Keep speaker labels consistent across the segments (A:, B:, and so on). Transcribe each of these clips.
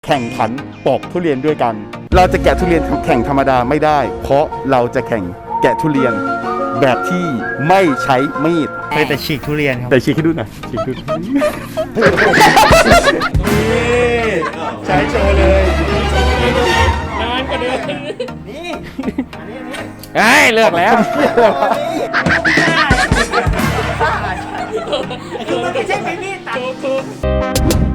A: แข่งขันปอกทุเรียนด้วยกัน เราจะแกะทุเรียนแข่งธรรมดาไม่ได้ เพราะเราจะแข่งแกะทุเรียนแบบที่ไม่ใช้มีด
B: เคยแต่ฉีกทุเรียนครับ
A: แต่ฉีกให้ดูหน่อยฉีกดูใช้โชว์เลยนานกว่าเดิมนี่ไอ้เลิกแล้ว
B: มันไม่ใช่ไปมีดตัด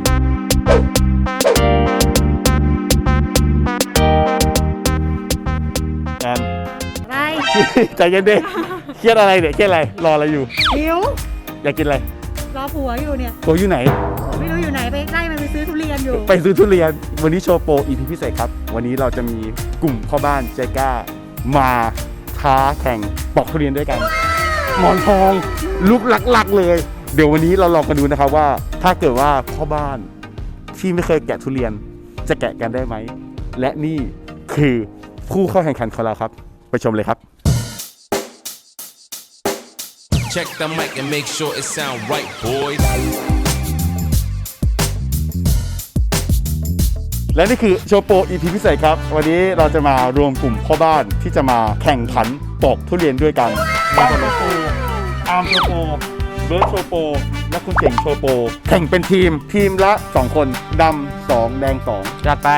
A: อะไรใจเย็นดิเครียดอะไรเนี่ยเครียดอะไรรออะไรอยู่
C: หิว
A: อยากกินอะไร
C: รอผัวอยู่เนี่ย
A: ตัวอยู่ไหน
C: ไม่รู้อยู่ไหนไปใกล้มันไปซื้อทุเรียนอยู่
A: ไปซื้อทุเรียนวันนี้โชว์โปร EP พิเศษครับวันนี้เราจะมีกลุ่มพ่อบ้านใจกล้ามาท้าแข่งปอกทุเรียนด้วยกันหมอนทองลุกหลักๆเลยเดี๋ยววันนี้เราลองกันดูนะครับว่าถ้าเกิดว่าพ่อบ้านที่ไม่เคยแกะทุเรียนจะแกะกันได้ไหมและนี่คือผู้เข้าแข่งขันของเราครับไปชมเลยครับ
D: Check the mic and make sure it sound right, boys.
A: และนี่คือโชว์โปร EP พิเศษครับวันนี้เราจะมารวมกลุ่มพ่อบ้านที่จะมาแข่งขันปอกทุเรียนด้วยกันบ้านโชว์โปรอาร์มโชว์โปรเบิร์ดโชว์โปรและคุณเก่งโชว์โปรแข่งเป็นทีมละ2คนดำ2แดง2
B: จัดไป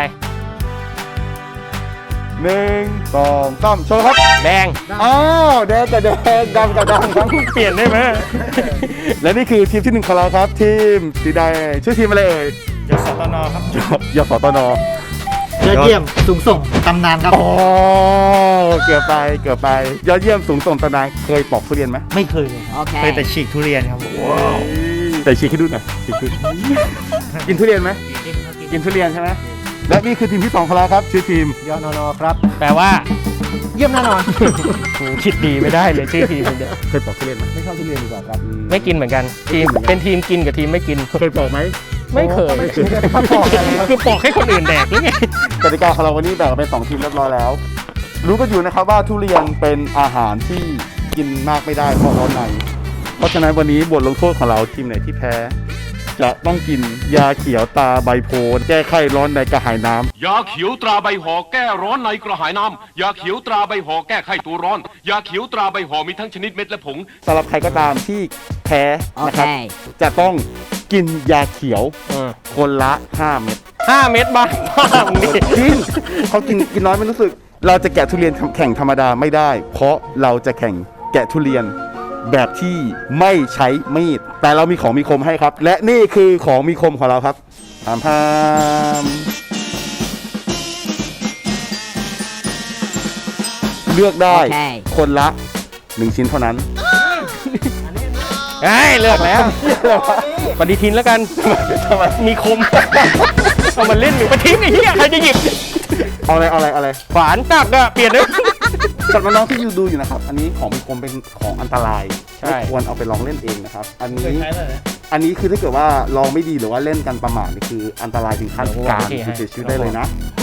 A: 1 2 3โชว์ครับ
B: แดง
A: อ้าวแดงกับแดงดำกับดำทั้ง
B: เปลี่ยนได้ไหม
A: และนี่คือทีมที่1ของเราครับทีมสีแดงชื่อทีมอะไรเอ่ย
B: ยศตนครับ
A: ยศตน
B: ยอดเยี่ยมสูงส่งตำนานครับ
A: อ๋อเกือบไปยอดเยี่ยมสูงส่งตำนานเคยปอกทุเรียนไหม
B: ไม่เคยเลยเคยแต่ฉีกทุเรียนครับ
A: แต่ฉีกให้ดูหน่อยฉีกดูกินทุเรียนไหมกินทุเรียนใช่ไหมและนี่คือทีมที่2ของเราครับชื่อทีม
B: ยอนอนครับแปลว่าเยี่ยมแน่นอนคิดดีไม่ได้เลยชื่อทีมเนี่ย
A: เคยปอกทุเรียนไหมไม่ชอบทุเรียนดีกว่าครับ
B: ไม่กินเหมือนกันทีมเป็นทีมกินกับทีมไม่กิน
A: เคยปอกไหม
B: ไม่เคยคือปอกให้คนอื่นแดกหรือไง
A: กติกาของเราวันนี้แบ่งเป็น2ทีมเรียบร้อยแล้ว รู้กันอยู่นะครับว่าทุเรียนเป็นอาหารที่กินมากไม่ได้เพราะร้อนในเพราะฉะนั้นวันนี้บทลงโทษของเราทีมไหนที่แพ้จะต้องกินยาเขียวตาใบโพธิ์แก้ไข้ร้อนในกระหายน้ำ
E: ยาเขียวตราใบห่อแก้ร้อนในกระหายน้ำยาเขียวตราใบห่อแก้ไข้ตัวร้อนยาเขียวตราใบห่อมีทั้งชนิดเม็ดและผง
A: สำหรับใครก็ตามที่แพ้นะครับจะต้องกินยาเขียวคนละ5 เม็ด
B: 5 เม็ดบ้างมึงนี่
A: จริงเขากินน้อยไม่รู้สึก เราจะแกะทุเรียนแข่งธรรมดาไม่ได้ เพราะเราจะแข่งแกะทุเรียนแบบที่ไม่ใช้มีดแต่เรามีของมีคมให้ครับ และนี่คือของมีคมของเราครับพามเลือกได้คนละ1 ชิ้นเท่านั้น
B: เฮ้ยเลิกแล้วปฏิทินแล้วกันมีคมเอามาเล่นหรือปฏิทินไอ้เหี้ยใครจะหยิบ
A: เอาอะไร
B: ขวานตักอะเปลี่ยนเลย
A: สำหรับน้องๆที่ดูอยู่นะครับอันนี้ของมีคมเป็นของอันตราย
B: ใช่
A: ไม่ควรเอาไปลองเล่นเองนะครับอันนี้คือถ้าเกิดว่าลองไม่ดีหรือว่าเล่นกันประมาทนี่คืออันตรายถึงขั้นการเสียชีวิตได้เลยนะ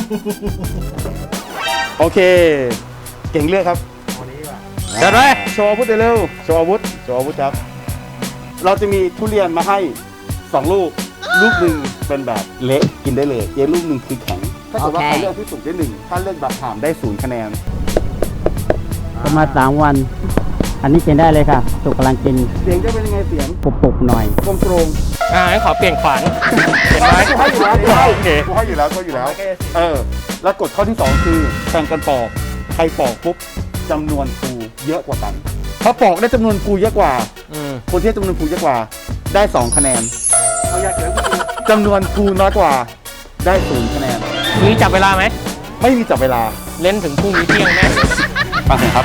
A: โอเคเก่งเลือกครับ
B: จัดไป
A: โชว์อาวุธเร็วโชว์อาวุธครับเราจะมีทุเรียนมาให้2 ลูกหนึ่งเป็นแบบเละกินได้เลยอีกลูกหนึ่งคือแข็งถ้าเกิดว่าใครเลือกที่สุดได้1ถ้าเลือกแบบถามได้0 คะแนน
F: ประมาณ3 วัน อันนี้กินได้เลยค่ะ สุกกำลังกิน
A: เสียงจะเป็นยังไงเสียง
F: ปุบๆหน่อย
A: โปร่ง
B: งั้นขอเปลี่ยนขวานเปลี่ยนไม้
A: กูให้อยู่แล้ว
B: โอเค
A: กูให้อยู่แล้วแล้วกฎข้อที่2คือแข่งกันปอกใครปอกปุ๊บจำนวนภูเยอะกว่ากันถ้าปอกได้จำนวนภูเยอะกว่าคนที่จำนวนภูเยอะกว่าได้2 คะแนนจำนวนภูน้อยกว่าได้0 คะแนน
B: มีจับเวลาไหม
A: ไม่มีจับเวลา
B: เล่นถึงพรุ่งนี้เที่ยงแน่
A: ฟังเสียงครับ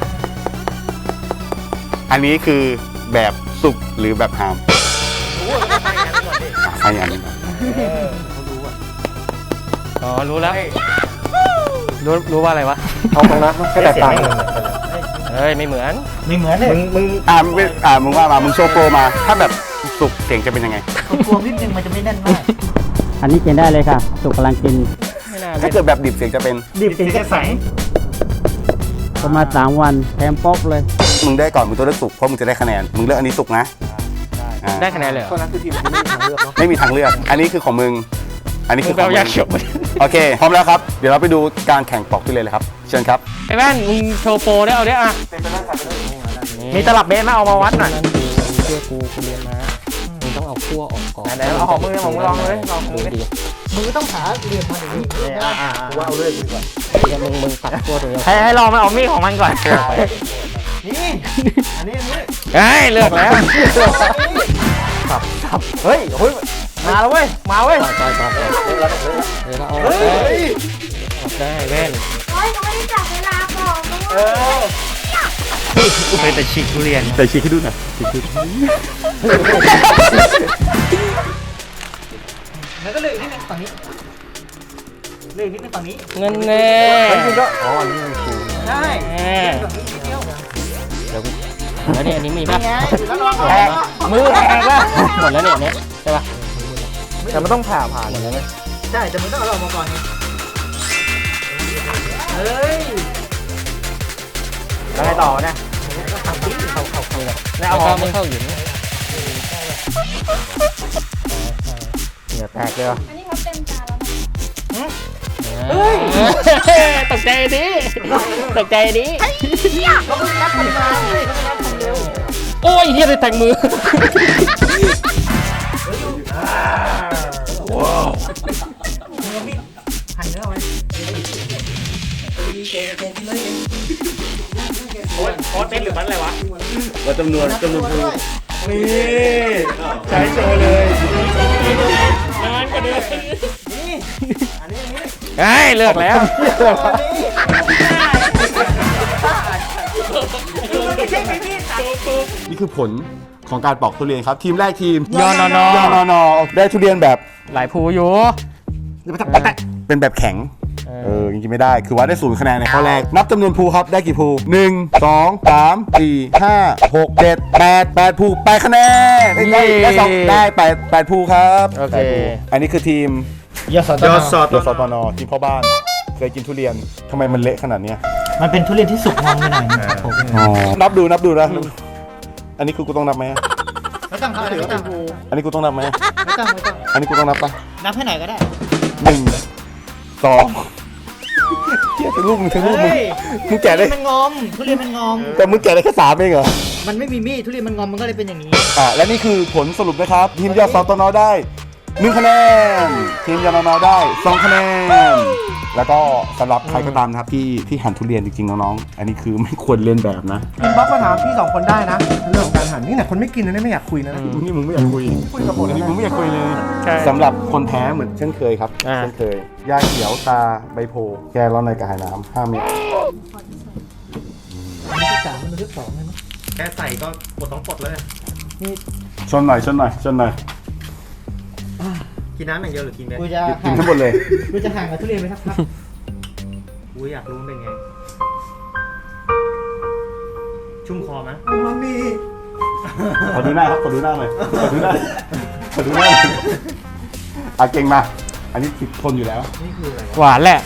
A: อันนี้คือแบบสุกหรือแบบหามใครอันนี้
B: อ๋อรู้แล้วรู้ว่าอะไรวะ
A: เอาตรงนะแค่แตกต่าง
B: เฮ้ยไม่เหมือน
A: เลยมึงมึงว่ามามึงโชว์โปรมา ถ้าแบบสุกเสียงจะเป็นยังไง
F: อันนี้กินได้เลยค่ะ สุกกำลังกิน
B: ไม่น่า
A: ถ้า
B: เล่น
A: เกิดแบบดิบเสียงจะเป็น
F: ประมาณ3 วันแถมป๊อกเลย
A: มึงได้ก่อนมึงต้องเลือกสุกเพราะมึงจะได้คะแนนมึงเลือกอันนี้สุกนะ
B: ได้คะแนนเลยเหรอ
A: ไม่มีทางเลือก อันนี้คือของมึงอันนี้คือ
B: มึงไปเอายาเขียวมา
A: โอเคพร้อมแล้วครับเดี๋ยวเราไปดูการแข่งปอกทุเรียนเลยครับเชิญครับ
B: ไอ้แว่นมึงโชว์โปรได้เอาได้อ่ะ
G: มีตลับเมตรมาเอามาวัดหน่อย
B: เชื่อกูเรียนมามึงต้องเอาขั้วออกก่อน
G: ไหนๆเอาของมือของมือลองเลยลองมือดิ
C: มือต้องหาเหลี่ยมมาอย่างนี้
G: ว่าเอาเลยดีกว่า
B: เดี๋ยวมึงตัดขั้วตรงนี้
G: ให้ลองมาเอามีดของมันก่อน
B: เฮ้ยเลือกแล้ว
G: เฮ้ยมาแล้วเว้ยมาเว้ย
B: ต่อยเดี๋ยวเราเอาออกได้แว่น
H: โอ้ยเขาไม่ได้จับเวลาบอกนะ
G: เอ
H: ว่า
G: อ
B: เคยแต่ฉีกทุเรียน
A: แต่ชี้ให้ดูหน่อยชี้ให้ดู
C: แล้วก็เลยนิดนึงฝั่งนี้เลยนิดนึงฝั่งนี้
B: เงินแน่
G: อ๋ออันนี้มันคือ
C: ใช่
B: แน่
C: ฝั่งนี้นิดเดียว
B: แล้วเนี่ยอันนี้มีป่ะ
C: ไงแล้วลอง
G: แทงมือแทงแล้ว
B: หมดแล้วเนี่ยเนี่ยใช่ป่ะ
G: แต่มันต้องผ่าน
B: หมดแล้วไหม
C: ใช่แต่มึงต้องเอาออกมาก่อนไงเฮ้ย
G: แล้วไงต่อเนี่ย
B: แล้วเอาไม่เข้าอยู่นะ
G: เหงื่อแตกเลยวะ
H: อันนี้เขาเต็มจานแล้วนะ
B: เฮ้ยตกใจดิตกใจดิ
C: เขาเพิ่งนับกันมาเลยเขาไม่นับคนเร็ว
B: โอ้ยเฮียเลยแตกมือ
C: หั่นเนื้อไว้
G: โค้ดเป็นหรือมันอะไรวะ
A: ว่าจำนวนภู
G: นี่ใช้โชว์เลย
B: นานกว่าเดิมเฮ้ยเลือกแล้ว
A: นี่คือผลของการปอกทุเรียนครับทีมแรกทีม
B: ยอนอนอ
A: ยอนอนอได้ทุเรียนแบบ
B: หลายภูอยู่
A: เป็นแบบแข็งจริงๆไม่ได้คือว่าได้0คะแนนในข้อแรกนับจำนวนภูครับได้กี่ภู1 2 3 4 5 6 7 8ภู8คะแนนได้2ได้8ภูครับ
B: โอเค
A: 8ภูอันนี้คือทีม
G: ยอดสอด
A: ยศตนทีมพ่อบ้านเคยกินทุเรียนทำไมมันเละขนาดเนี้ย
C: มันเป็นทุเรียนที่สุกงอมไปหน่อยนะครับผม
A: นับดูนะอันนี้คือกูต้องนับไหม
C: ไม่ต้องครับไม่ต้อง
A: อันนี้กูต้องนับไหม
C: ไม่ต้องไม่ต้อง
A: อันนี้กูต้องนับปะ
C: นับให้ไหนก็ได้
A: 1 2เทียบเป็นลูกมึงมึงแกะได้
C: มันงอมทุเรียนมันงอม
A: แต่มึงแกะได้แค่3เองเหรอ
C: มันไม่มีมีดทุเรียนมันงอมมันก็เลยเป็นอย่างนี้
A: และนี่คือผลสรุปนะครับ ทีมยอดสตนได้1คะแนนทีมยอนอได้2คะแนนแล้วก็สำหรับใครก็ตามนะครับที่หั่นทุเรียนจริงๆน้องๆอันนี้คือไม่ควรเล่นแบบนะ
I: อินบ็อกซ์มาถามพี่สองคนได้นะเรื่องของการหั่นนี่แหละคนไม่กินนะไม่อยากคุยนะ
A: นี่มึงไม่อยากคุย
I: คุยกับผม
A: อันนี้
I: นะ
A: มึงไม่อยากคุยเลย
B: ใช่
A: สำหรับคนแพ้เหมือนเช่นเคยครับ
B: อ่า
A: เช่นเคยยาเขียวตาใบโพแกร้อนในกระหายน้ำ5 เม็ด
I: แค่ใส่ก็ปลดต้องปลดเลย
A: ชนหน่อย
I: กินน้ำอย่างเดียวหรือกินเม็ด
C: กูจะ
A: กินทั้งหมดเลย
C: กูจะห่างกับทุเรียนไปสักพัก
I: กูอยากรู้มันเป็นไง ชุ่มคอไหม
A: ขอดูหน้าครับขอดูหน้าหน่อยขอดูหน้าหน่อยเก่งมาอันนี้ติดทนอยู่แล้ว
B: หวานแหละ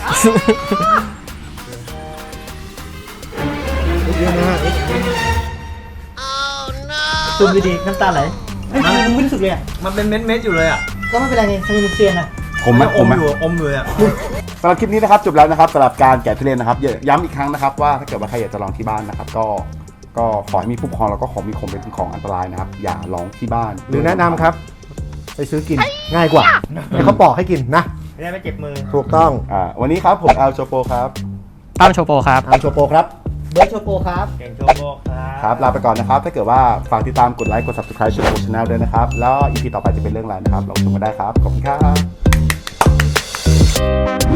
C: ซูมดีๆน้ำตาไหลเฮ้ยมึงไม่รู้สึกเลยอ่ะ
I: มันเป็นเม็ดๆอยู่เลยอ่ะ
C: ก็ไม่เป็นไรนี่ทำไมมึงเซียนอ่ะ
A: ผมไหม
I: อมอยู่อ่ะ
A: สำหรับคลิปนี้นะครับจบแล้วนะครับสำหรับการแกะทุเรียนนะครับย้ำอีกครั้งนะครับว่าถ้าเกิดว่าใครอยากจะลองที่บ้านนะครับก็ขอให้มีผู้ปกครองแล้วก็ของมีคมเป็นของอันตรายนะครับอย่าลองที่บ้าน
I: หรือแนะนำครับ ไปซื้อกินง่ายกว่าให้เขาปอกให้กินนะ
C: ไม่ได้ไม่เจ็บมือ
I: ถูกต้อง
A: วันนี้ครับผมแอลโชโปครับ
B: ตั้มโชโปครับ
I: ทำโชโปครับ
C: เบิร์ดโชโปครับ
G: เก่งโชโบครับ
A: ครับลาไปก่อนนะครับถ้าเกิดว่าฝากติดตามกดไลค์กด subscribe ช่องชาแนลด้วยนะครับแล้ว EP ต่อไปจะเป็นเรื่องอะไรนะครับเราชมกันได้ครับขอบคุณครับ